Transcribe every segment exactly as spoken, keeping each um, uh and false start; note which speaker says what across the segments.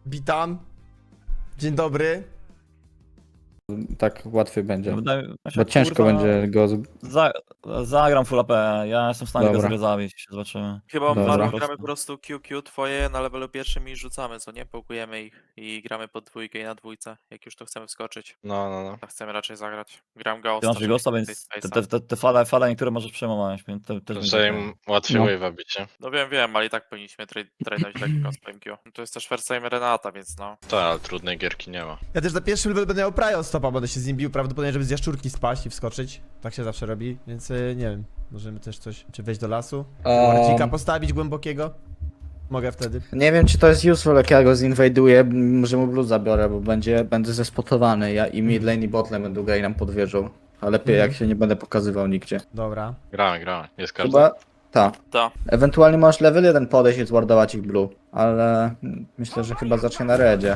Speaker 1: Witam. Dzień dobry.
Speaker 2: Tak łatwiej będzie.
Speaker 3: Wydaje, mi się,
Speaker 2: Bo ciężko
Speaker 3: kurwa,
Speaker 2: będzie go. Z...
Speaker 3: Za, zagram full A P, ja jestem w stanie go
Speaker 2: Dobra.
Speaker 3: sobie zabić, zobaczymy.
Speaker 4: Chyba
Speaker 2: Dobra.
Speaker 4: Marlon
Speaker 3: Po
Speaker 4: gramy po
Speaker 3: prostu.
Speaker 4: prostu Q Q twoje na levelu pierwszym i rzucamy, co nie? Pokujemy ich i gramy pod dwójkę i na dwójce, jak już to chcemy wskoczyć.
Speaker 5: No, no, no.
Speaker 4: Tak chcemy raczej zagrać. Gram
Speaker 3: Ty
Speaker 4: Ghosta,
Speaker 3: masz
Speaker 4: żeby
Speaker 3: Ghosta,
Speaker 4: mieć
Speaker 3: więc
Speaker 4: więcej
Speaker 3: te,
Speaker 4: space'a.
Speaker 3: te, te, te fale, fale niektóre możesz przejmować, więc te, też
Speaker 5: Że
Speaker 3: będzie
Speaker 5: im łatwiej
Speaker 2: No.
Speaker 5: wave'a bić, nie?
Speaker 4: No wiem, wiem, ale i tak powinniśmy tra- trainować lekko z P M Q. No to jest też first time Renata, więc no.
Speaker 5: Tak, ale trudnej gierki nie ma.
Speaker 1: Ja też za pierwszym level będę miał Prio stopa, będę się z nim bił prawdopodobnie, żeby z jaszczurki spaść i wskoczyć. Tak się zawsze robi, więc y, nie wiem. Możemy też coś, czy wejść do lasu? Wardzika
Speaker 2: Um,
Speaker 1: postawić głębokiego? Mogę wtedy.
Speaker 2: nie wiem, czy to jest useful, jak ja go zinwajduję, może mu blue zabiorę, bo będzie, będę zespotowany. Ja i mid lane i bot lane będą grali nam pod wieżą. A lepiej jak się nie będę pokazywał nigdzie.
Speaker 1: Dobra.
Speaker 5: Gramy, gramy. Jest każdy.
Speaker 2: Chyba. Tak.
Speaker 4: Ta.
Speaker 2: Ewentualnie możesz level jeden podejść i zwardować ich blue. Ale mm, myślę, że chyba zacznie na redzie.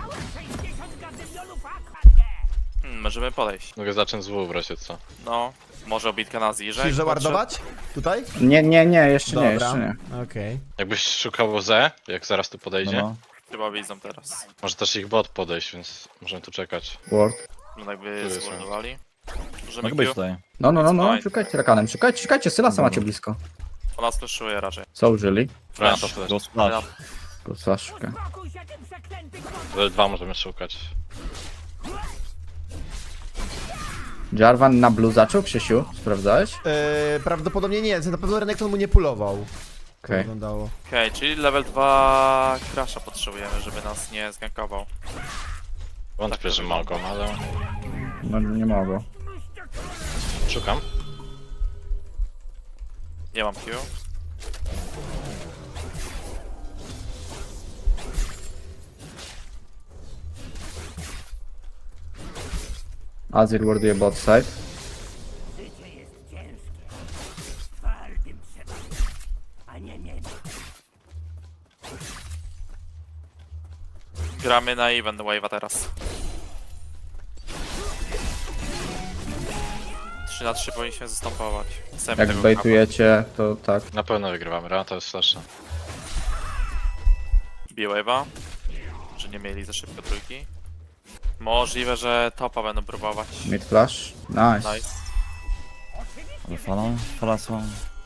Speaker 4: Hmm, możemy podejść.
Speaker 5: Mogę zacząć z W w razie co.
Speaker 4: No. Może obitka na Zirze.
Speaker 1: Chcesz zawardować? Tutaj?
Speaker 2: Nie, nie, nie, jeszcze nie,
Speaker 1: Dobra.
Speaker 2: jeszcze nie.
Speaker 1: Okej.
Speaker 5: Jakbyś szukał Z, jak zaraz tu podejdzie,
Speaker 3: No, no.
Speaker 4: Chyba widzą teraz.
Speaker 5: może też ich bot podejść, więc możemy tu czekać.
Speaker 2: Ward.
Speaker 4: No jakby
Speaker 5: Tu jest,
Speaker 4: zmordowali. Możemy
Speaker 3: Mogę być
Speaker 4: Q.
Speaker 3: tutaj.
Speaker 2: No, no, no, no,
Speaker 4: Fajnie.
Speaker 2: szukajcie rakanem, szukajcie, szukajcie, Sylasa
Speaker 3: Dobra.
Speaker 2: macie blisko.
Speaker 4: Ona splashuje raczej.
Speaker 2: Co użyli?
Speaker 5: Gramy
Speaker 4: Flash.
Speaker 5: to flash.
Speaker 3: Go splash.
Speaker 2: Go slaszukę.
Speaker 5: Level dwa możemy szukać.
Speaker 2: Jarvan na blue zaczął, Krzysiu? Sprawdzałeś?
Speaker 1: Yy, prawdopodobnie nie, na pewno Renekton mu nie pulował.
Speaker 2: Okej.
Speaker 1: Okay. Wyglądało.
Speaker 4: Okej, czyli level dwa Crasha potrzebujemy, żeby nas nie zgankował.
Speaker 5: Wątpię, że mogą, ale
Speaker 2: No nie mogą.
Speaker 5: szukam.
Speaker 4: Nie mam Q.
Speaker 2: Azir warduje bot side.
Speaker 4: Gramy na event wave'a teraz. trzy na trzy powinniśmy zastępować. Chcemy
Speaker 2: Jak
Speaker 4: tego
Speaker 2: bejtujecie, to tak.
Speaker 5: Na pewno wygrywamy. Rana to jest flasha.
Speaker 4: B-wave'a. Że nie mieli za szybko trójki. Możliwe, że topa będą próbować.
Speaker 2: Mid flash. Nice.
Speaker 4: Nice.
Speaker 3: Ale fala, fala są.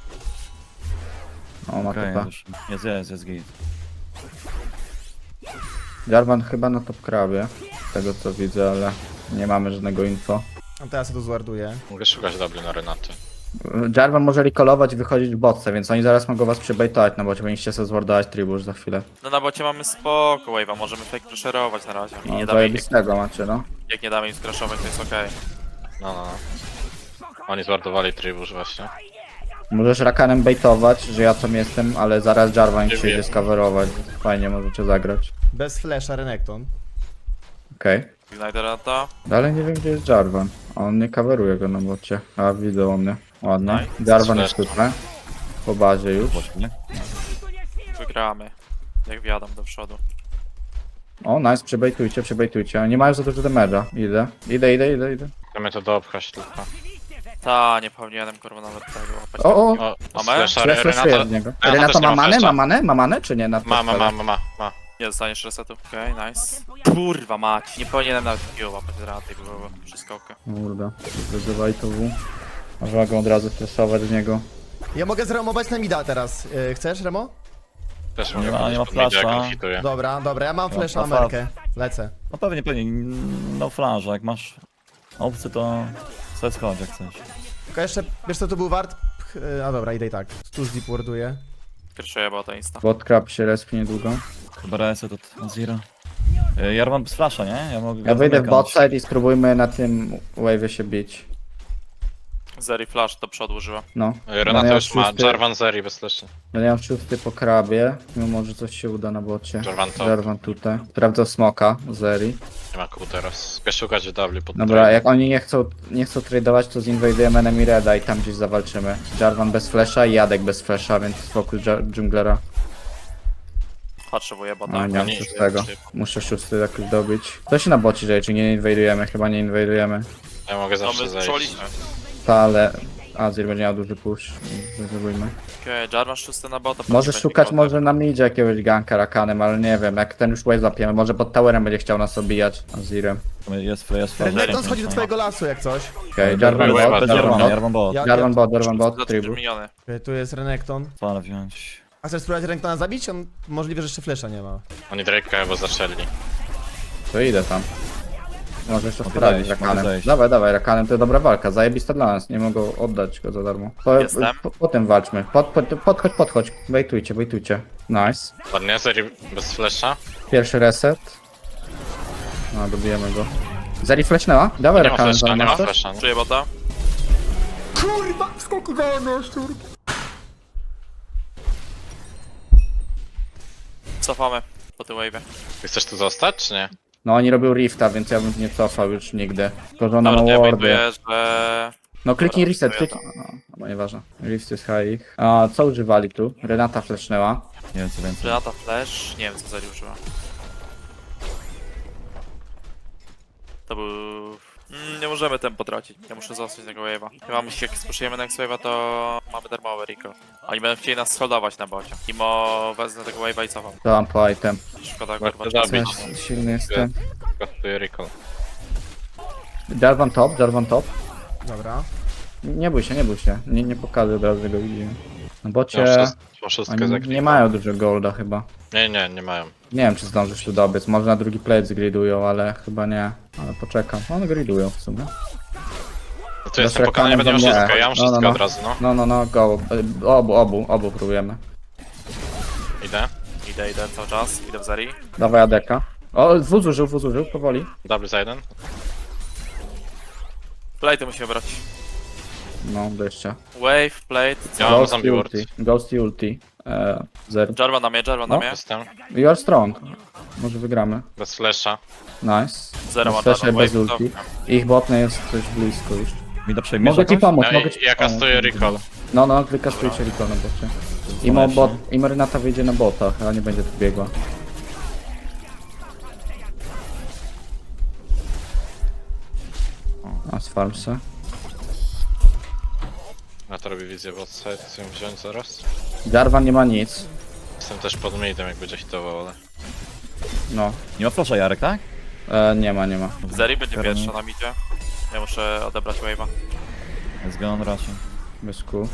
Speaker 2: O, ma
Speaker 3: Okej,
Speaker 2: topa.
Speaker 3: już jest, jest, jest git.
Speaker 2: Jarvan chyba na top krabie. Z tego co widzę, ale nie mamy żadnego info.
Speaker 1: A teraz ja to zwarduję.
Speaker 5: Mogę szukać W na Renaty.
Speaker 2: Jarvan może recallować i wychodzić w botce, więc oni zaraz mogą was przybejtować, no bo powinniście sobie zwardować tribusz za chwilę.
Speaker 4: No na bocie mamy spoko wave'a, możemy fake preszerować na razie. I
Speaker 2: No,
Speaker 4: nie damy im, jak,
Speaker 2: zajebistego macie, no.
Speaker 4: jak nie damy im skraszować, to jest okej.
Speaker 5: No, no, no. Oni zwartowali tribusz właśnie.
Speaker 2: Możesz rakanem bejtować, że ja tam jestem, ale zaraz Jarvan
Speaker 5: Nie
Speaker 2: się idzie
Speaker 5: wiem.
Speaker 2: skawerować. Fajnie możecie zagrać.
Speaker 1: Bez flasha Renekton.
Speaker 2: Okej.
Speaker 4: Ignite Renata.
Speaker 2: Dalej nie wiem gdzie jest Jarvan. A on nie coveruje go na bocie. A widzę on mnie. Ładnie.
Speaker 4: Nice.
Speaker 2: Jarvan jest tutaj. Po bazie już.
Speaker 3: Nie?
Speaker 4: Wygramy. Jak wjadam do przodu.
Speaker 2: O, nice, przebejtujcie, przebejtujcie. Oni nie mają za dużo damage'a. Idę. Idę, idę, idę, idę.
Speaker 5: Chcemy to doopchać tylko.
Speaker 4: Ta, nie powinienem kurwa nawet tego łapać.
Speaker 2: O, o!
Speaker 5: O,
Speaker 4: Mamy?
Speaker 5: flasha,
Speaker 2: Flash, flash
Speaker 5: Renata.
Speaker 2: z niego.
Speaker 5: Renata
Speaker 2: Renata
Speaker 5: też nie
Speaker 2: ma
Speaker 5: ma
Speaker 2: manę?
Speaker 5: flasha.
Speaker 2: Ma manę? Ma manę czy nie? Na
Speaker 5: Ma, ma, ma, ma, ma, ma.
Speaker 4: Nie dostaniesz resetu. Okej, nice. Kurwa mać, nie powinienem nawet Q łapać Renaty, bo było przeskokę.
Speaker 2: Kurde. Wyzywaj to W. Można go od razu flashować z niego.
Speaker 1: Ja mogę zremować na mida teraz. Yy, chcesz, Remo?
Speaker 5: Też
Speaker 3: Nie
Speaker 5: mogę
Speaker 3: ma- nie ma
Speaker 5: podejść pod media, jak
Speaker 3: flasha.
Speaker 5: on hituje.
Speaker 1: Dobra, dobra, ja mam
Speaker 3: No,
Speaker 1: flasha na
Speaker 3: no,
Speaker 1: merkę. Lecę.
Speaker 3: No pewnie, pewnie. No flash, jak masz opcję, to sobie schodź jak chcesz.
Speaker 1: Tylko jeszcze, wiesz co to był wart? Pch, yy, a dobra, idę i tak. Stuz deep warduje.
Speaker 4: Pierwsze bo to insta.
Speaker 2: Bot crab się respi niedługo.
Speaker 3: Chyba reset od Zira. Y, Ja mam bez flasha, nie? Ja, mogę
Speaker 2: Ja wyjdę w
Speaker 3: zamykać.
Speaker 2: bot side i spróbujmy na tym wave'ie się bić.
Speaker 4: Zeri flash do przodu użyła.
Speaker 2: No.
Speaker 5: Renata
Speaker 2: Będę
Speaker 5: już ma.
Speaker 2: miał szósty-
Speaker 5: Jarvan Zeri bez flasha.
Speaker 2: Będę miał szósty po krabie. Mimo że coś się uda na bocie.
Speaker 5: Jarvan to.
Speaker 2: Jarvan tutaj. Sprawdzał smoka, Zeri.
Speaker 5: Nie ma kół teraz. Chcę szukać W pod
Speaker 2: Dobra,
Speaker 5: trade.
Speaker 2: jak oni nie chcą, nie chcą tradeować, to zinwajdujemy enemy reda i tam gdzieś zawalczymy. Jarvan bez flasha i Jadek bez flasha, więc spokój dżunglera.
Speaker 4: Potrzebuję bota.
Speaker 2: A nie mam
Speaker 5: nie,
Speaker 2: szóstego.
Speaker 5: nie.
Speaker 2: Muszę szósty jakoś dobić. To się na bocie dzieje, czy nie inwajdujemy? Chyba nie inwajdujemy.
Speaker 5: Ja mogę
Speaker 4: No
Speaker 5: zawsze
Speaker 4: my
Speaker 5: zejść.
Speaker 4: zeszliśmy.
Speaker 2: Ta, ale Azir będzie miał duży push. Zrobimy.
Speaker 4: Okej, Jarvan szósty na bota.
Speaker 2: Może
Speaker 4: będzie
Speaker 2: szukać
Speaker 4: grał,
Speaker 2: może na midzie jakiegoś ganka Rakanem, ale nie wiem, jak ten już wave zapiemy, może pod towerem będzie chciał nas obijać Azirem.
Speaker 3: Jest, jest flash.
Speaker 1: Renekton schodzi do twojego lasu jak coś.
Speaker 2: Okej, Jarvan
Speaker 5: Dobra,
Speaker 2: bot,
Speaker 5: dobra,
Speaker 2: Jarvan
Speaker 3: Jarvan,
Speaker 2: bot.
Speaker 3: Jarvan bot.
Speaker 1: Ja,
Speaker 2: Jarvan
Speaker 1: ja,
Speaker 2: bot, Jarvan
Speaker 4: tak.
Speaker 2: bot, tribu.
Speaker 4: Miniony.
Speaker 1: Okej, tu jest Renekton.
Speaker 3: Fala wziąć.
Speaker 1: A chcesz spróbować Renektona zabić? On możliwe, że jeszcze flesza nie ma.
Speaker 5: Oni Drake'a chyba zaczęli.
Speaker 2: To idę tam. Może jeszcze
Speaker 3: Mogę
Speaker 2: sprawdzić
Speaker 3: zejść, mogę
Speaker 2: Rakanem.
Speaker 3: zejść.
Speaker 2: Dawaj, dawaj, Rakanem to dobra walka, zajebista dla nas, nie mogą oddać go za darmo. Po,
Speaker 4: Jestem.
Speaker 2: po, potem walczmy, pod, pod, podchodź, podchodź, wejtujcie, wejtujcie. Nice.
Speaker 5: Ładnie, Zeri bez flasha.
Speaker 2: Pierwszy reset. No, dobijemy go. Zeri flashnęła? Dawaj
Speaker 5: Nie ma
Speaker 2: Rakanem,
Speaker 5: flasha, nie ma
Speaker 2: zamiast coś?
Speaker 5: flasha.
Speaker 4: Czuję bota.
Speaker 1: Kurwa, skолько dałem szczur.
Speaker 4: Cofamy po tym wave'ie.
Speaker 5: Ty chcesz tu zostać, czy nie?
Speaker 2: No oni robią rifta, więc ja bym nie cofał już nigdy. Tylko że ona ma
Speaker 4: Dobra, ja
Speaker 2: wardy.
Speaker 4: wejduję, że...
Speaker 2: No kliknij
Speaker 4: Dobra,
Speaker 2: reset,
Speaker 4: to ja
Speaker 2: kliknij. No, no nieważne. Rift jest high. A co używali tu? Renata flashnęła.
Speaker 3: Nie wiem co więcej.
Speaker 4: Renata Flash, nie wiem co Zeri użyła. To był... Mm, nie możemy tempo tracić, ja muszę zostać tego wave'a. Chyba musi, jak spuszujemy next wave'a, to mamy darmowy recall. Oni będą chcieli nas holdować na bocie. Imo wezmę tego wave'a i cofam.
Speaker 2: To mam po item.
Speaker 4: Szkoda
Speaker 5: Warto
Speaker 4: kurwa czasu.
Speaker 5: zabić.
Speaker 2: Coś silny jestem.
Speaker 5: Gotuję recall.
Speaker 2: Jarvan top, Jarvan top.
Speaker 1: Dobra.
Speaker 2: Nie bój się, nie bój się. Nie, nie pokażę od razu, że go widzimy. No bocie...
Speaker 5: Ja wszystko, wszystko
Speaker 2: Oni
Speaker 5: zaklikam.
Speaker 2: nie mają dużo golda chyba.
Speaker 5: Nie, nie, nie mają.
Speaker 2: Nie wiem czy zdążysz tu dobiec. Może na drugi plate zgridują, ale chyba nie. Ale poczekam. One gridują w sumie.
Speaker 5: No to jestem pokonany,
Speaker 2: Rakanem
Speaker 5: będę miał
Speaker 2: to nie.
Speaker 5: wszystko, ja mam
Speaker 2: No, no,
Speaker 5: wszystko
Speaker 2: no.
Speaker 5: od razu, no.
Speaker 2: No, no, no, go. Y, Obu, obu, obu próbujemy.
Speaker 5: Idę.
Speaker 4: Idę, idę cały czas, idę w Zeri.
Speaker 2: Dawaj Adeka. O, wóz użył, wóz użył, powoli.
Speaker 5: Double za jeden.
Speaker 4: Plate musimy brać.
Speaker 2: No, jeszcze.
Speaker 4: Wave, plate,
Speaker 5: Ja mam
Speaker 2: Ghost
Speaker 5: zombie
Speaker 2: i
Speaker 5: ward.
Speaker 2: ulti. Ghost i ulti. E, zero.
Speaker 4: Jarvan na mnie, Jarvan na
Speaker 2: No.
Speaker 4: mnie.
Speaker 5: Jestem.
Speaker 2: You are strong. Może wygramy.
Speaker 5: Bez flasha.
Speaker 2: Nice.
Speaker 4: Zero ma
Speaker 2: Flasher
Speaker 4: Jarvan,
Speaker 2: bez
Speaker 4: wave,
Speaker 2: ulti. Ich botne jest coś blisko już.
Speaker 3: Mi to przejmiesz
Speaker 2: Mogę ci
Speaker 3: jakoś?
Speaker 2: pomóc,
Speaker 5: No
Speaker 2: mogę ci
Speaker 5: i ja
Speaker 2: pomóc.
Speaker 5: kastuję recall.
Speaker 2: No, no, wykastujcie recall na bocie. Imo, bot, Imo Renata wyjdzie na bota, ale nie będzie tu biegła. A z farmsy.
Speaker 5: Ja to robię wizję bot side, chcę ją wziąć zaraz.
Speaker 2: Jarvan nie ma nic.
Speaker 5: Jestem też pod midem, jak będzie hitował, ale...
Speaker 2: No,
Speaker 3: Nie ma flasha Jarek, tak?
Speaker 2: e, nie ma, nie ma.
Speaker 4: Zeri będzie
Speaker 3: Jarvan.
Speaker 4: pierwsza na midzie. Ja muszę odebrać wave'a.
Speaker 3: Jest gone raczej.
Speaker 2: Bez kół.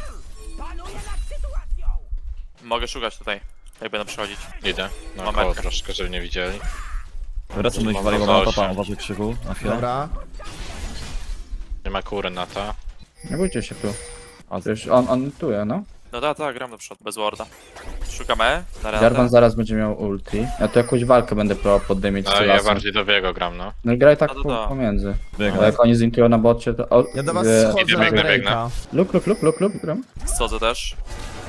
Speaker 4: Mogę szukać tutaj, jak będę przychodzić.
Speaker 5: Idę. No
Speaker 4: Mam
Speaker 5: koło
Speaker 4: metkę.
Speaker 5: troszkę, żeby nie widzieli.
Speaker 3: Wracam do nich
Speaker 5: Mam
Speaker 3: waliło
Speaker 5: za
Speaker 3: na
Speaker 5: osiem.
Speaker 3: topa, uważaj krzyku na chwilę.
Speaker 1: Dobra.
Speaker 5: Nie ma kury na to.
Speaker 2: Nie bójcie się tu.
Speaker 3: A
Speaker 2: Przecież on, on tuje, no.
Speaker 4: No tak, tak, gram do przodu, bez warda. Szukamy na
Speaker 2: Jarvan
Speaker 4: Renatę.
Speaker 2: zaraz będzie miał ulti. Ja tu jakąś walkę będę próbował poddymić z
Speaker 5: No ja
Speaker 2: Sylasem.
Speaker 5: bardziej do biego gram, no.
Speaker 2: No i graj tak
Speaker 4: No to
Speaker 2: po,
Speaker 4: da.
Speaker 2: pomiędzy.
Speaker 3: biega.
Speaker 2: Ale jak oni zintują na bocie, to... O,
Speaker 1: Ja do was
Speaker 2: e,
Speaker 1: schodzę
Speaker 5: Idę,
Speaker 1: na
Speaker 5: biegnę,
Speaker 1: Drake'a.
Speaker 5: biegnę.
Speaker 2: Luk, luk, luk, luk, luk, gram.
Speaker 4: Schodzę też.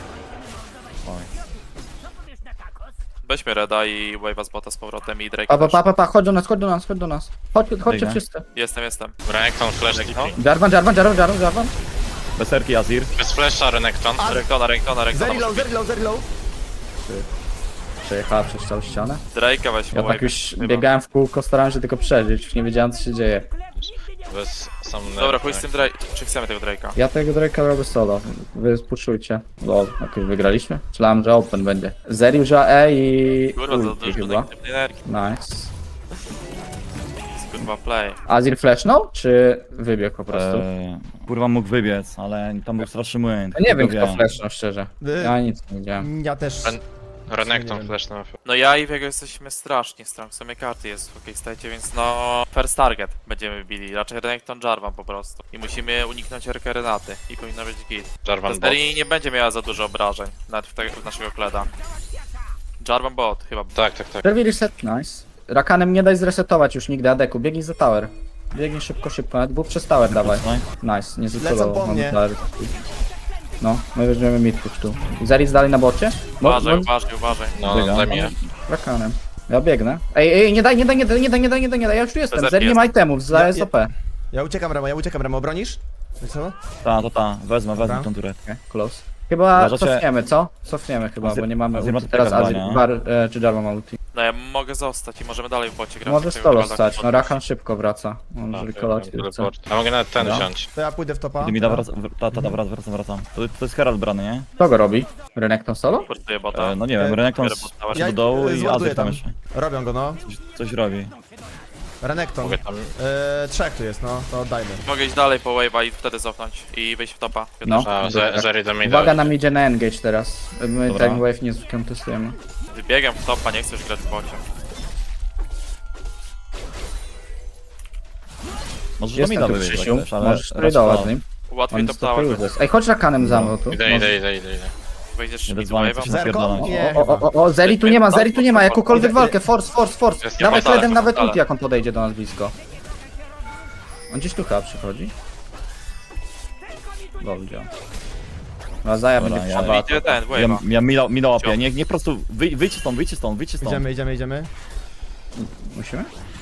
Speaker 4: Weźmy Reda i wave'a z bota z powrotem i Drake
Speaker 2: Pa, pa,
Speaker 4: też.
Speaker 2: pa, pa, pa, chodź do nas, chodź do nas, chodź do nas. Chodź, chodźcie
Speaker 3: Biegnę.
Speaker 2: wszyscy.
Speaker 4: Jestem, jestem.
Speaker 5: Renekton, flash,
Speaker 4: No.
Speaker 5: tipping.
Speaker 2: Jarvan, Jarvan, Jarvan, Jarvan, Jarvan.
Speaker 3: Beserki Azir.
Speaker 5: Bez flasha, Renekton.
Speaker 4: Renktona, Renktona, Renktona.
Speaker 1: Zeri low, zeri low, zeri low.
Speaker 2: Przejechała przez całą ścianę.
Speaker 4: Drake'a weźmy
Speaker 2: Ja tak
Speaker 4: wave'a,
Speaker 2: już
Speaker 4: chyba.
Speaker 2: biegałem w kółko, starałem się tylko przeżyć, już nie wiedziałem co się dzieje.
Speaker 5: Bez sam
Speaker 4: Dobra, chuj z tym Drake. Czy chcemy tego Drake'a?
Speaker 2: Ja tego Drake'a robię solo, wy spuszczujcie. Lol, jakoś wygraliśmy? Myślałem, że open będzie. Zeri użyła E i
Speaker 4: Kurwa, za
Speaker 2: ulti
Speaker 4: dużo
Speaker 2: chyba.
Speaker 4: negatywnej energii.
Speaker 2: Nice.
Speaker 4: Kurwa, play.
Speaker 2: Azir flashnął, czy wybiegł po prostu?
Speaker 3: Eee, kurwa mógł wybiec, ale tam był straszny młyn.
Speaker 2: Ja nie wiem
Speaker 3: Tylko
Speaker 2: kto flashnął szczerze.
Speaker 1: Wy-
Speaker 2: Ja nic nie widziałem.
Speaker 1: Ja też.
Speaker 5: Ren-
Speaker 1: Nie
Speaker 5: Renekton,
Speaker 1: wiem.
Speaker 5: flash na
Speaker 4: No ja i Viego jesteśmy strasznie strong. W sumie karty jest w OK stajecie, więc no... First target będziemy bili. Raczej Renekton Jarvan po prostu. I musimy uniknąć R K Renaty. I powinno być git.
Speaker 5: Jarvan bot.
Speaker 4: Zeri nie będzie miała za dużo obrażeń. Nawet w, te, w naszego kleda. Jarvan bot chyba.
Speaker 5: Tak, tak, tak.
Speaker 2: Serwi reset, nice. Rakanem nie daj zresetować już nigdy Adeku, biegnij za tower. Biegnij szybko, szybko, nawet był przez tower, dawaj. Nice, nie
Speaker 1: Lecą
Speaker 2: zrecytował.
Speaker 1: po mnie.
Speaker 2: No, my weźmiemy mid push tu. Zaris dalej na bocie? Mo-
Speaker 4: Uważaj,
Speaker 2: mo-
Speaker 4: uważaj, uważaj.
Speaker 5: No,
Speaker 3: Biega.
Speaker 5: daj mi je.
Speaker 2: Rakanem. Ja biegnę. Ej, ej, nie daj, nie daj, nie daj, nie daj, nie daj, nie daj, nie daj. Ja już tu jestem.
Speaker 4: Bez
Speaker 2: Zeri nie ma itemów, za
Speaker 1: Ja-
Speaker 2: S O P.
Speaker 1: Ja uciekam Remo, ja uciekam Remo, bronisz? Wiesz co?
Speaker 3: Ta, to ta, wezmę, wezmę
Speaker 1: Dobra.
Speaker 3: tą turę.
Speaker 2: Okay, close. Chyba
Speaker 3: Uważacie-
Speaker 2: cofniemy, co? Cofniemy chyba,
Speaker 3: Azir-
Speaker 2: bo nie mamy
Speaker 3: Azir ma
Speaker 2: ulti.
Speaker 3: tutaj
Speaker 2: Teraz Azir,
Speaker 3: zabrania.
Speaker 2: bar, e, czy Jarvan ma ulti.
Speaker 4: No ja mogę zostać i możemy dalej w bocie grać.
Speaker 2: Możesz
Speaker 4: Tego
Speaker 2: solo
Speaker 4: Heralda
Speaker 2: stać, no
Speaker 4: podnieść.
Speaker 2: Rakan szybko wraca. On
Speaker 5: A,
Speaker 2: jeżeli
Speaker 5: to
Speaker 2: kolać
Speaker 5: ja
Speaker 2: chce.
Speaker 5: mam teleport. A mogę nawet ten
Speaker 2: No.
Speaker 5: wziąć.
Speaker 1: To ja pójdę w topa.
Speaker 3: Ty mi da wrac... w- Ta, ta, ta, wrac, wracam, wracam. To, to jest Herald brany, nie?
Speaker 2: Kto go robi? Renekton solo?
Speaker 4: Portuję bota.
Speaker 3: E, no nie wiem,
Speaker 1: E,
Speaker 3: Renekton
Speaker 4: biorę
Speaker 3: z-
Speaker 4: bota,
Speaker 3: poszedł
Speaker 1: ja-
Speaker 3: do dołu
Speaker 1: e,
Speaker 3: i
Speaker 1: zładuję
Speaker 3: Azir tam
Speaker 1: tam.
Speaker 3: jeszcze.
Speaker 1: Robią go, no.
Speaker 3: Coś, coś robi.
Speaker 1: Renekton.
Speaker 5: Mogę tam...
Speaker 1: E, trzech tu jest, no. To oddajmy.
Speaker 4: Mogę iść dalej po wave'a i wtedy cofnąć i wyjść w topa.
Speaker 2: No.
Speaker 5: A,
Speaker 2: Dobra.
Speaker 5: Zeri do mnie
Speaker 2: Uwaga na midzie na engage teraz. My
Speaker 3: Dobra.
Speaker 2: ten wave nie skontestujemy.
Speaker 4: Wybiegam w topa, nie chcę już grać w bocie.
Speaker 3: Możesz do
Speaker 2: Jest
Speaker 3: mida
Speaker 2: tam tu
Speaker 3: wybiegać
Speaker 2: Krzysiu,
Speaker 3: też, ale...
Speaker 2: możesz
Speaker 3: raczej
Speaker 2: tradować
Speaker 3: to-
Speaker 2: z nim.
Speaker 4: Łatwiej
Speaker 2: On
Speaker 4: top
Speaker 2: jest to
Speaker 4: tower.
Speaker 2: useless. Ej, chodź Rakanem za mną tu.
Speaker 5: Idę, idę, idę, idę, idę.
Speaker 4: Wejdziesz
Speaker 3: Jeden
Speaker 4: mid
Speaker 3: z wami
Speaker 4: wave'a.
Speaker 3: coś
Speaker 1: Zerko?
Speaker 3: napierdalać.
Speaker 1: Nie.
Speaker 2: O, o, o, o, Zeri tu nie ma, Zeri tu nie ma, jakąkolwiek walkę, force, force, force.
Speaker 5: Jest
Speaker 2: Dawaj
Speaker 4: niepodale,
Speaker 2: Fredem nawet
Speaker 4: niepodale.
Speaker 2: ulti, jak on podejdzie do nas blisko. On gdzieś tu chyba przychodzi. Dobrze. No Zaja
Speaker 3: Dobra,
Speaker 2: będzie
Speaker 3: ja-
Speaker 2: trzeba.
Speaker 4: Idzie ten,
Speaker 3: Ja,
Speaker 4: wave'a.
Speaker 3: ja mila, mila łapię, nie, nie po prostu wyj, wyjdźcie stąd, wyjdźcie stąd, wyjdźcie stąd.
Speaker 1: Idziemy, idziemy, idziemy.
Speaker 2: Musimy?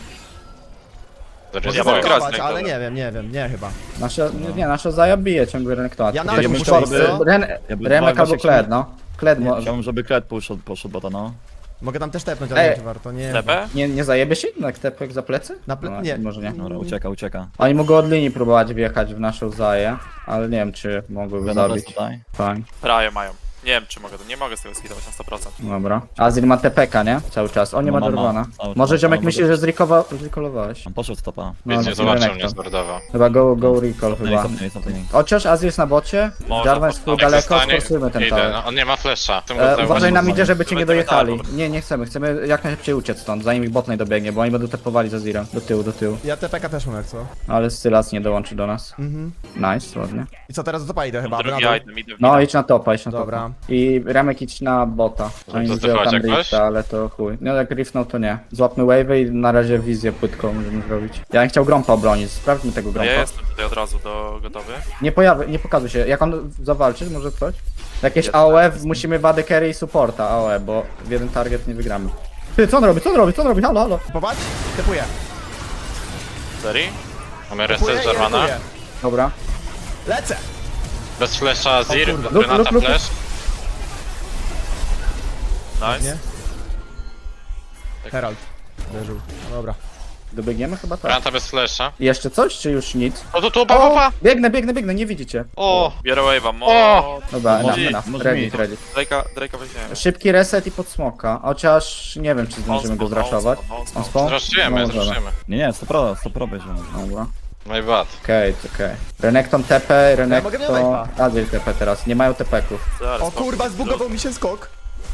Speaker 5: Zeri
Speaker 1: Może
Speaker 4: Ja
Speaker 5: za
Speaker 4: mogę
Speaker 5: boję.
Speaker 4: grać
Speaker 1: zaatakować,
Speaker 4: z
Speaker 1: ale
Speaker 4: Renektonem.
Speaker 1: nie wiem, nie wiem, nie chyba.
Speaker 2: Nasza, nie, nasza Zaja bije ciągle Renekton.
Speaker 1: Ja na
Speaker 3: Ja
Speaker 1: dół
Speaker 3: bym
Speaker 1: muszę
Speaker 3: chciał,
Speaker 1: iść, co?
Speaker 2: Ren,
Speaker 3: Ja bym-
Speaker 2: Remek albo
Speaker 3: właśnie
Speaker 2: Kled, no. Kled
Speaker 3: Nie,
Speaker 2: może.
Speaker 3: chciałbym, żeby Kled poszedł, poszedł bota, no.
Speaker 1: Mogę tam też tepnąć, ale
Speaker 2: Ej.
Speaker 1: nie czy warto, nie.
Speaker 4: T P?
Speaker 2: Nie, nie zajebie się jednak tepek za plecy?
Speaker 1: Na ple-
Speaker 2: No,
Speaker 1: nie.
Speaker 2: Może nie.
Speaker 3: Dobra, ucieka, ucieka.
Speaker 2: Oni mogą od linii próbować wjechać w naszą Zaję, ale nie wiem czy mogłyby
Speaker 3: Renata
Speaker 2: zabić.
Speaker 3: jest tutaj.
Speaker 2: Fajnie.
Speaker 4: Praje mają. Nie wiem czy mogę, nie mogę z tego skidować na sto procent.
Speaker 2: Dobra. Azir ma T P K, nie? Cały czas. On nie
Speaker 3: No,
Speaker 2: ma
Speaker 3: ma, ma.
Speaker 2: Dorwana.
Speaker 3: Cały
Speaker 2: Może
Speaker 3: czas,
Speaker 2: ziomek
Speaker 3: ale
Speaker 2: myśli,
Speaker 3: może-
Speaker 2: że zrikowa- zrikolowałeś.
Speaker 3: On poszedł stopa.
Speaker 2: No,
Speaker 5: Więc
Speaker 2: no,
Speaker 5: nie zobaczył
Speaker 2: Renekton.
Speaker 5: mnie zbordował.
Speaker 2: Chyba go, go recall chyba.
Speaker 3: Nie, nie, nie, nie.
Speaker 2: Chociaż Azir jest na bocie,
Speaker 4: Może
Speaker 2: Jarvan jest tu
Speaker 4: podstawić.
Speaker 2: daleko,
Speaker 5: zostanie,
Speaker 2: sforsujmy ten
Speaker 5: idę,
Speaker 2: tower.
Speaker 5: no, on nie ma flesza. Chcę go
Speaker 2: E,
Speaker 5: zauważyć.
Speaker 2: uważaj na
Speaker 3: zobaczyć.
Speaker 2: midzie, żeby cię nie
Speaker 4: Żeby nie
Speaker 2: dojechali.
Speaker 4: dotarł.
Speaker 2: Nie, nie chcemy. Chcemy jak najszybciej uciec stąd, zanim ich botnej dobiegnie, bo oni będą tepowali za Zirem. Do tyłu, do tyłu.
Speaker 1: Ja T P K też mam jak co.
Speaker 2: Ale Sylas nie dołączy do nas.
Speaker 1: Mhm.
Speaker 2: Nice, ładnie.
Speaker 1: I co, teraz do topa idę chyba,
Speaker 4: Drugi
Speaker 1: na dół.
Speaker 4: item, idę w
Speaker 2: No
Speaker 4: mida.
Speaker 2: idź na topa, idź na
Speaker 1: Dobra.
Speaker 2: topa. I Remek idź na bota. Oni
Speaker 5: to
Speaker 2: wzięły
Speaker 5: chodź
Speaker 2: tam
Speaker 5: jakoś?
Speaker 2: rifta, ale to chuj. No jak riftnął to nie. Złapmy wave'y i na razie wizję płytką możemy zrobić. Ja bym chciał Grompa obronić, sprawdźmy tego
Speaker 4: No
Speaker 2: Grompa.
Speaker 4: ja jestem tutaj od razu do gotowy.
Speaker 2: Nie pojawi, nie pokazuj się. Jak on zawalczy, może ktoś? Jakieś
Speaker 4: Jest,
Speaker 2: A O E,
Speaker 4: tak.
Speaker 2: musimy wadę carry i supporta A O E, bo w jeden target nie wygramy. Ty, co on robi, co on robi, co on robi, halo, halo.
Speaker 1: Popatrz, tepuję.
Speaker 4: Serii?
Speaker 5: Mamy
Speaker 1: Tepuję
Speaker 5: reset
Speaker 1: i
Speaker 5: Jarvana.
Speaker 1: tepuję.
Speaker 2: Dobra.
Speaker 1: Lecę!
Speaker 5: Bez flesza Zir,
Speaker 1: kurde.
Speaker 2: Luk,
Speaker 5: Renata
Speaker 2: luk, luk.
Speaker 5: flash.
Speaker 4: Nice.
Speaker 1: Nie? Herald. Leżył. No dobra.
Speaker 2: Dobiegniemy chyba tak.
Speaker 5: Renata bez flesza.
Speaker 2: Jeszcze coś, czy już nic?
Speaker 5: O, tu, tu, pa, pa, pa!
Speaker 2: Biegnę, biegnę, biegnę, nie widzicie.
Speaker 5: O!
Speaker 4: Biorę wave'a, mo...
Speaker 5: O!
Speaker 2: Dobra,
Speaker 3: Może
Speaker 2: enough,
Speaker 3: mi,
Speaker 2: enough.
Speaker 3: może
Speaker 2: Ready,
Speaker 3: mi.
Speaker 2: ready.
Speaker 4: Drake'a, Drake'a weźmiemy.
Speaker 2: Szybki reset i pod smoka, chociaż nie wiem czy zdążymy go
Speaker 4: On spawn,
Speaker 2: zraszować.
Speaker 4: on spawn, on
Speaker 2: On
Speaker 4: spawn.
Speaker 2: spawn?
Speaker 5: Zraszujemy,
Speaker 2: No, możemy.
Speaker 5: zraszujemy.
Speaker 3: Nie, nie, sto pro, sto pro będzie.
Speaker 2: Dobra.
Speaker 5: My bad.
Speaker 2: Okej, okay, okej. Okay. Renekton T P,
Speaker 1: mogę mieć
Speaker 2: Renekton...
Speaker 1: wave'a.
Speaker 2: Azir T P teraz, nie mają T P-ków.
Speaker 4: Zaraz,
Speaker 1: O
Speaker 4: spokój.
Speaker 1: kurwa, zbugował mi się skok.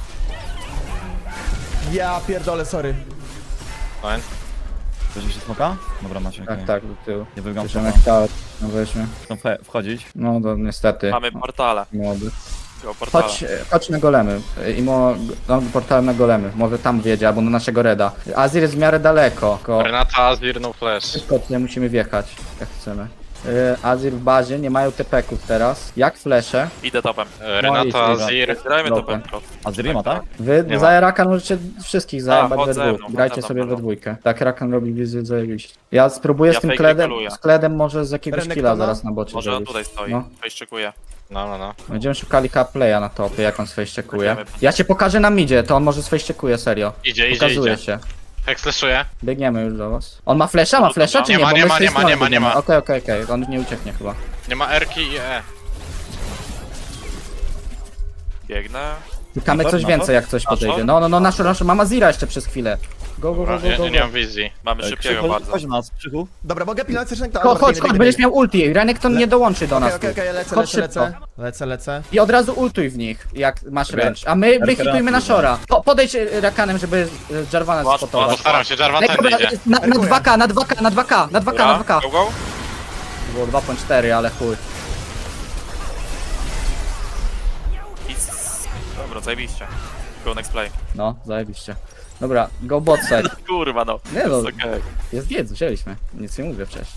Speaker 1: Ja pierdolę, sorry.
Speaker 5: Fine.
Speaker 3: Bierzesz się smoka? Dobra, macie, okej.
Speaker 2: Tak, tak, do tyłu.
Speaker 3: Nie wybiegam
Speaker 2: Bierzemy
Speaker 3: smoka.
Speaker 2: kształt, no weźmy.
Speaker 3: Chcą wche- wchodzić.
Speaker 2: No to niestety.
Speaker 4: Mamy portale.
Speaker 2: Młody.
Speaker 4: Go portale.
Speaker 2: Chodź, chodź na golemy. I mo, no, portalem na golemy. Może tam wiedzie, albo na naszego reda. Azir jest w miarę daleko. Tylko
Speaker 5: Renata, Zir, no flash.
Speaker 2: szybko tutaj musimy wjechać, jak chcemy. Y, Azir w bazie, nie mają T P-ków teraz. Jak flesze.
Speaker 4: Idę topem.
Speaker 5: E, Renata,
Speaker 2: No i-
Speaker 5: Zir.
Speaker 4: Grajmy
Speaker 2: Dobra.
Speaker 4: topem. prosto.
Speaker 3: A Ziri ma, tak?
Speaker 2: Wy
Speaker 5: Nie ma.
Speaker 2: za Rakan możecie wszystkich zajebać
Speaker 4: chodź
Speaker 2: we
Speaker 4: ze
Speaker 2: dwóch.
Speaker 4: mną,
Speaker 2: Grajcie
Speaker 4: chodź ze
Speaker 2: sobie
Speaker 4: mną.
Speaker 2: we dwójkę. Tak Rakan robi wizję zajebiście. Ja spróbuję
Speaker 4: Ja
Speaker 2: z tym
Speaker 4: fake
Speaker 2: kledem,
Speaker 4: recalluję.
Speaker 2: z kledem może z jakiegoś
Speaker 1: Renektona?
Speaker 2: killa zaraz na bocie
Speaker 4: Może on
Speaker 2: zrobić.
Speaker 4: tutaj stoi.
Speaker 2: No.
Speaker 4: Fejszczykuje.
Speaker 5: No, no, no.
Speaker 2: Będziemy szukali playa na topie, jak on sfejściekuje.
Speaker 4: Będziemy.
Speaker 2: Ja cię pokażę na midzie, to on może sfejściekuje, serio.
Speaker 5: Idzie, idzie,
Speaker 2: Pokazuje
Speaker 5: idzie.
Speaker 2: się.
Speaker 5: Hex flashuje.
Speaker 2: Biegniemy już do was. On ma flesza, ma flesza czy
Speaker 5: Nie
Speaker 2: nie?
Speaker 5: ma,
Speaker 2: Bo
Speaker 5: nie
Speaker 2: my
Speaker 5: ma,
Speaker 2: z tej
Speaker 5: nie ma,
Speaker 2: strony
Speaker 5: nie ma, nie
Speaker 2: biegniemy.
Speaker 5: ma.
Speaker 2: Okej, okej, okej, on nie ucieknie chyba.
Speaker 5: Nie ma Erki i E.
Speaker 4: Biegnę.
Speaker 2: Szukamy
Speaker 3: Na
Speaker 2: coś
Speaker 3: to?
Speaker 2: więcej, jak coś
Speaker 4: Na to?
Speaker 2: podejdzie. No, no, no, nasz, nasz, mama Zira jeszcze przez chwilę. Go, go, go,
Speaker 5: Dobra,
Speaker 2: go,
Speaker 5: ja,
Speaker 2: go,
Speaker 5: ja nie
Speaker 2: go.
Speaker 5: mam wizji.
Speaker 4: Mamy
Speaker 3: E,
Speaker 4: szybkiego
Speaker 3: Krzychu,
Speaker 4: bardzo.
Speaker 3: Chodź do nas, Krzychu.
Speaker 1: Dobra, mogę pilnować też rękę.
Speaker 2: Chodź, chodź, chodź, będziesz miał ulti. Renekton nie dołączy do nas.
Speaker 1: Okej, okej, okej, lecę,
Speaker 2: Chodź
Speaker 1: lecę,
Speaker 2: szybko.
Speaker 1: lecę. Lecę, lecę.
Speaker 2: I od razu ultuj w nich, jak masz
Speaker 3: Dobra.
Speaker 2: ręcz. A my wyhitujmy na
Speaker 3: Dobra.
Speaker 2: Shora. Po, podejdź e, Rakanem, żeby e, Jarvana
Speaker 4: Łatwo,
Speaker 2: spotować.
Speaker 5: Postaram się, Jarvan
Speaker 2: Ej,
Speaker 5: tędy
Speaker 2: dobra,
Speaker 5: idzie.
Speaker 2: na, na dwa K, na dwa K, na dwa K, na dwa K, na dwa K.
Speaker 4: Go, go.
Speaker 2: To było dwa przecinek cztery, ale chuj.
Speaker 4: I... Dobra, zajebiście. Go next play.
Speaker 2: No, zajebiście. Dobra, go bot side.
Speaker 4: Kurwa no.
Speaker 2: Nie no,
Speaker 4: Jest okej.
Speaker 2: jest wiedz, wzięliśmy. Nic nie mówię wcześniej.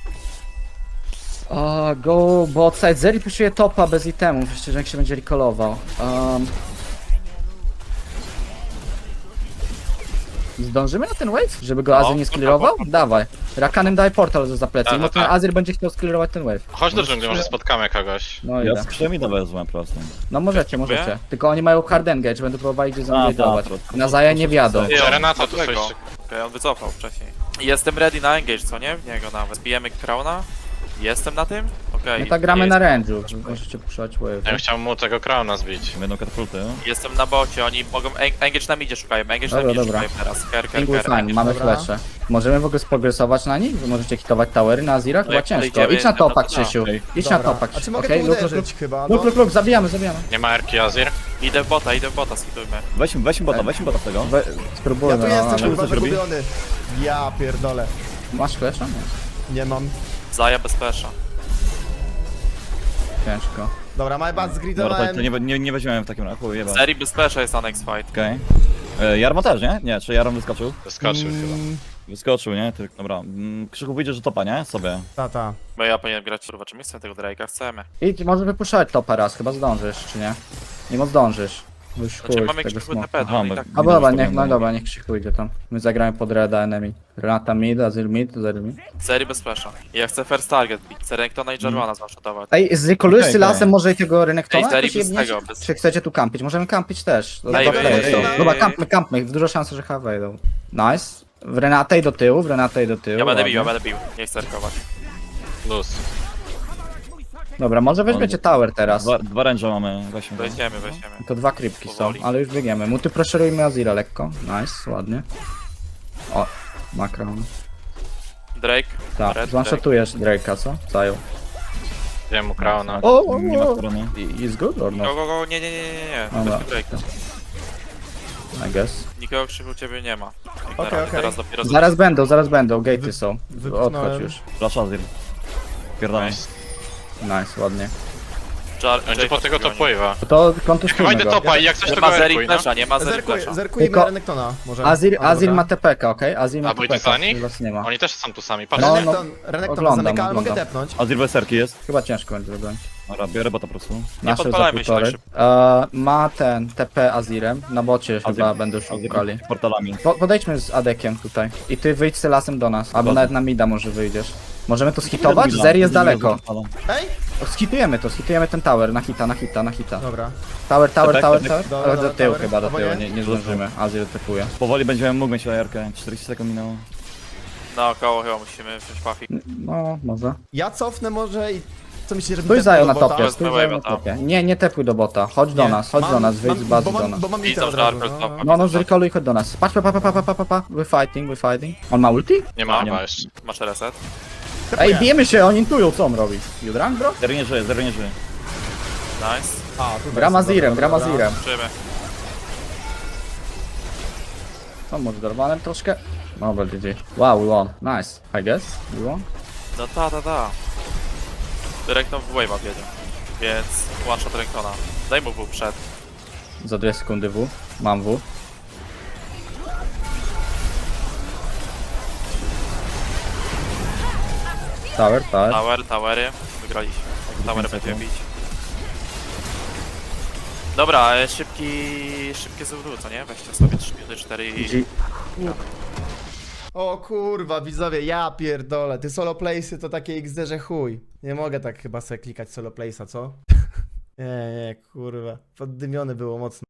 Speaker 2: O, go bot side. Zeri puszuje topa bez itemów, jeszcze że jak się będzie recallował. Um, Zdążymy na ten wave? Żeby go
Speaker 4: No,
Speaker 2: Azir nie sklirował?
Speaker 4: portal,
Speaker 2: Dawaj. Rakanem daj portal za plecy.
Speaker 5: Tak,
Speaker 2: No
Speaker 5: tak,
Speaker 2: ten
Speaker 5: tak.
Speaker 2: Azir będzie chciał sklirować ten wave.
Speaker 5: Chodź do dżungli, może spotkamy kogoś.
Speaker 2: No
Speaker 3: Ja
Speaker 2: idę.
Speaker 3: z krzymi wezmę po prostu.
Speaker 2: No możecie,
Speaker 4: Dziękuję.
Speaker 2: możecie. Tylko oni mają hard engage, będą próbowali gdzieś
Speaker 3: A,
Speaker 2: zamówidować.
Speaker 3: tak, to-
Speaker 2: Na Zaja nie wiadą.
Speaker 4: Ty,
Speaker 5: Że
Speaker 4: on-
Speaker 5: Renata tu
Speaker 4: dlatego.
Speaker 5: coś-
Speaker 4: Okej, on wycofał wcześniej. Jestem ready na engage, co nie? W niego nawet. Zbijemy Crowna. Jestem na tym? Okej.
Speaker 2: My tak gramy
Speaker 4: jest.
Speaker 2: na range'u. Możecie puszczać wave.
Speaker 5: Ja bym chciał mu tego Crowna zbić.
Speaker 3: Będą katapulty.
Speaker 4: Jestem na bocie, oni mogą... eng- Engage na midzie szukają, engage na
Speaker 2: Dobra,
Speaker 4: midzie
Speaker 2: dobra.
Speaker 4: szukają teraz. Ker, ker,
Speaker 2: Pingły
Speaker 4: ker,
Speaker 2: fine,
Speaker 4: engage.
Speaker 2: mamy
Speaker 1: Dobra.
Speaker 2: flesze. Możemy w ogóle sprogresować na nich? Wy możecie hitować towery na Azirach?
Speaker 4: No
Speaker 2: Chyba
Speaker 4: jak
Speaker 2: ciężko.
Speaker 4: podejdziemy,
Speaker 2: Idź na
Speaker 4: no to
Speaker 2: topa,
Speaker 4: da.
Speaker 2: Krzysiu.
Speaker 3: Okej.
Speaker 2: Idź na
Speaker 1: Dobra.
Speaker 2: topa,
Speaker 1: A czy
Speaker 2: Krzysiu.
Speaker 1: mogę
Speaker 2: Okej,
Speaker 1: tu
Speaker 2: luk, luk,
Speaker 1: uderzyć chyba?
Speaker 2: luk,
Speaker 1: No.
Speaker 2: luk, luk, zabijamy, zabijamy.
Speaker 5: Nie ma Erki Azir?
Speaker 4: Idę w bota, idę w bota, skitujmy.
Speaker 3: Weźmy, weźmy bota, weźmy bota z tego.
Speaker 2: We,
Speaker 1: Ja
Speaker 2: spróbujmy,
Speaker 1: tu
Speaker 2: no,
Speaker 1: jestem
Speaker 2: ale...
Speaker 1: kurwa
Speaker 3: co zrobi?
Speaker 1: zagubiony. Ja pierdolę.
Speaker 2: Masz flesza? Nie.
Speaker 1: Nie mam.
Speaker 4: Zaja bez flesza.
Speaker 2: Ciężko.
Speaker 1: Dobra, my bad
Speaker 3: Dobra, to,
Speaker 1: zgridowałem.
Speaker 3: to nie, nie, nie weźmiemy w takim razie, jeba.
Speaker 4: Serii bez flesza jest na next fight.
Speaker 3: Okej. E, Jarmo też, nie? Nie, czy Jarmo wyskoczył?
Speaker 5: Wyskoczył chyba.
Speaker 1: Mm,
Speaker 3: Wyskoczył, nie? Tylko, dobra. Mm, Krzychu wyjdzie, że topa, nie? Sobie.
Speaker 1: Tata.
Speaker 4: Bo ja powinienem grać, kurwa, czy my chcemy tego Drake'a? Chcemy.
Speaker 2: I może wypuszczać topa raz, chyba zdążysz, czy nie? Nie mo zdążysz. Bo Już
Speaker 4: Znaczy
Speaker 2: chuj,
Speaker 4: mamy
Speaker 2: tego
Speaker 4: jakiś
Speaker 2: smoka.
Speaker 4: T P,
Speaker 3: Aha,
Speaker 4: no i
Speaker 3: my-
Speaker 4: tak.
Speaker 2: A bo dobra,
Speaker 3: Minus
Speaker 2: niech, no
Speaker 3: to
Speaker 2: dobra, niech Krzychu idzie tam. My zagramy pod Reda enemy. Renata mid, Azir mid, Azir mid.
Speaker 4: Serii bez flesza. I ja chcę first target bić. Chcę Renktona i Jarvana zmaszotować.
Speaker 2: Ej, zrekolujesz
Speaker 3: Okej,
Speaker 2: z lasem
Speaker 3: okej.
Speaker 2: może i tego Renektona?
Speaker 4: Ej, serii
Speaker 2: jakoś
Speaker 4: bez
Speaker 2: jebniecie?
Speaker 4: tego, bez-
Speaker 2: Czy chcecie tu kampić? Możemy kampić też.
Speaker 4: Ej,
Speaker 2: Dobra,
Speaker 4: ej,
Speaker 2: ej,
Speaker 4: ej,
Speaker 2: ej. Dobra,
Speaker 4: ej.
Speaker 2: kampmy, kampmy. Dużo szans, że H wejdą. Nice. W Renatę i do tyłu, w Renatę i do tyłu.
Speaker 4: Ja będę bił, ja
Speaker 2: ładnie.
Speaker 4: będę bił. Nie chcę cerkować.
Speaker 5: Luz.
Speaker 2: Dobra, może weźmiecie tower teraz.
Speaker 3: Dwa, dwa range mamy, weźmy. go.
Speaker 4: Weźmiemy, weźmiemy.
Speaker 2: To dwa krypki są,
Speaker 4: Powoli.
Speaker 2: ale już biegniemy. Muty pressurujmy Azira lekko. Nice, ładnie. O, makron.
Speaker 4: Drake.
Speaker 2: Tak,
Speaker 4: Red
Speaker 2: zwanshotujesz Drake'a, co? Zajął.
Speaker 5: Wiem mu Crowna.
Speaker 2: O, o,
Speaker 3: Nie ma
Speaker 2: o.
Speaker 3: strony.
Speaker 2: I- Is good or
Speaker 4: Go,
Speaker 2: not?
Speaker 4: go, go, nie, nie, nie, nie, nie.
Speaker 2: Dobra.
Speaker 4: Weźmy Drake'a.
Speaker 2: I guess.
Speaker 4: Nikogo krzyku ciebie nie ma.
Speaker 1: Okej,
Speaker 4: Teraz,
Speaker 1: okej.
Speaker 4: teraz dopiero
Speaker 2: Zaraz będą, zaraz będą, gatey są.
Speaker 1: wypchnąłem.
Speaker 2: Odchodź już.
Speaker 3: Flash Azir. Pierdolę.
Speaker 5: Nice.
Speaker 2: Nice, ładnie.
Speaker 4: Jar,
Speaker 5: Będzie po tego top wave'a.
Speaker 2: To
Speaker 5: Chyba
Speaker 2: kontustujmy
Speaker 5: idę
Speaker 2: go.
Speaker 5: topa i jak coś
Speaker 4: Nie
Speaker 5: to
Speaker 4: ma
Speaker 5: go
Speaker 4: Zeri
Speaker 5: Erkuj, no.
Speaker 4: flesza, nie ma Zeri
Speaker 1: Zerkuj,
Speaker 4: flesza.
Speaker 1: zerkujmy
Speaker 2: Tylko-
Speaker 1: Renektona może.
Speaker 2: Azir,
Speaker 1: A,
Speaker 2: Azir
Speaker 1: dobra.
Speaker 2: ma T P K, okej? Azir ma
Speaker 5: A
Speaker 2: T P
Speaker 5: pójdziesz
Speaker 2: K.
Speaker 5: za nich?
Speaker 2: Was nie ma.
Speaker 5: Oni też są tu sami, patrz.
Speaker 2: No,
Speaker 1: Renekton, Renekton
Speaker 2: oglądam,
Speaker 1: zamyka, ale mogę
Speaker 2: oglądam.
Speaker 1: tepnąć.
Speaker 3: Azir bez serki jest.
Speaker 2: Chyba ciężko będzie wybrać.
Speaker 3: Dobra, biorę bota po prostu.
Speaker 2: Nasze za
Speaker 4: podpalajmy się
Speaker 2: półtorej.
Speaker 4: tak
Speaker 2: E, ma ten T P Azirem. Na bocie chyba będą
Speaker 3: Azir
Speaker 2: szukali.
Speaker 3: z portalami.
Speaker 2: Po, podejdźmy z Adekiem tutaj. I ty wyjdź z lasem do nas. Albo
Speaker 3: Zgoda.
Speaker 2: nawet na mida może wyjdziesz. Możemy to skitować? Zeri jest daleko.
Speaker 1: Ej!
Speaker 2: Skitujemy to, skitujemy ten tower. Na hita, na hita, na hita.
Speaker 1: Dobra.
Speaker 2: Tower, tower,
Speaker 3: Tak,
Speaker 2: tower,
Speaker 3: tak,
Speaker 2: tower.
Speaker 1: dobra,
Speaker 2: Ale do
Speaker 1: dobra,
Speaker 2: tyłu
Speaker 1: tower.
Speaker 2: chyba, do
Speaker 1: Albo
Speaker 2: tyłu.
Speaker 1: nie?
Speaker 2: Nie, nie zdążymy. Azir typuje.
Speaker 3: Powoli będziemy mógł mieć lajerkę. czterdzieści sekund minęło.
Speaker 4: Naokoło chyba musimy wziąć Puffy.
Speaker 2: No, może.
Speaker 1: Ja cofnę może i... Co myślisz, że
Speaker 2: Stój zajął na topie,
Speaker 4: Wezmę
Speaker 2: stój zajął na
Speaker 4: wave'a tam.
Speaker 2: topie. Nie, nie tepuj do bota. Chodź do
Speaker 1: Nie,
Speaker 2: nas, chodź
Speaker 1: mam-
Speaker 2: do nas, wyjdź
Speaker 1: mam-
Speaker 2: z bazy
Speaker 1: bo mam-
Speaker 2: do nas.
Speaker 1: Bo mam
Speaker 4: Widzą,
Speaker 1: intel od
Speaker 4: że
Speaker 1: razu.
Speaker 4: Arper
Speaker 1: no.
Speaker 4: topa.
Speaker 2: No, no, zrekoluj, chodź do nas. Patrz, pa, pa, pa, pa, pa, pa, pa, pa. We're fighting, we're fighting. On ma ulti?
Speaker 5: Nie ma
Speaker 3: Nie
Speaker 5: chyba
Speaker 3: ma.
Speaker 5: jeszcze.
Speaker 4: Masz reset?
Speaker 2: Ej, bijemy się, oni intują, co on robi. You drunk, bro?
Speaker 3: Zero nie żyje, zero nie żyje.
Speaker 4: Nice.
Speaker 1: A, tutaj
Speaker 2: Gram
Speaker 1: jest,
Speaker 2: Azirem,
Speaker 1: dobra,
Speaker 2: gram
Speaker 1: dobra.
Speaker 2: Azirem.
Speaker 4: Żyjemy.
Speaker 2: No, może dorwanem troszkę. Dobra, G G. Wow, we won. Nice, I guess. We won.
Speaker 4: No ta, ta, ta. Renekton w wave'a wiedzie. Więc one shot Renktona. Daj mu W przed.
Speaker 2: Za dwie sekundy W. Mam W. Tower, tower.
Speaker 4: Tower, towery. Wygraliśmy. Towery będziemy bić. Dobra, e, szybki... Szybkie Z W, co nie? Weźcie sobie trzy minuty, cztery i...
Speaker 2: G
Speaker 1: O kurwa, widzowie, ja pierdolę. Ty solo playsy to takie X D, że chuj. Nie mogę tak chyba sobie klikać solo playsa, co? Nie, nie, kurwa. Poddymione było mocno.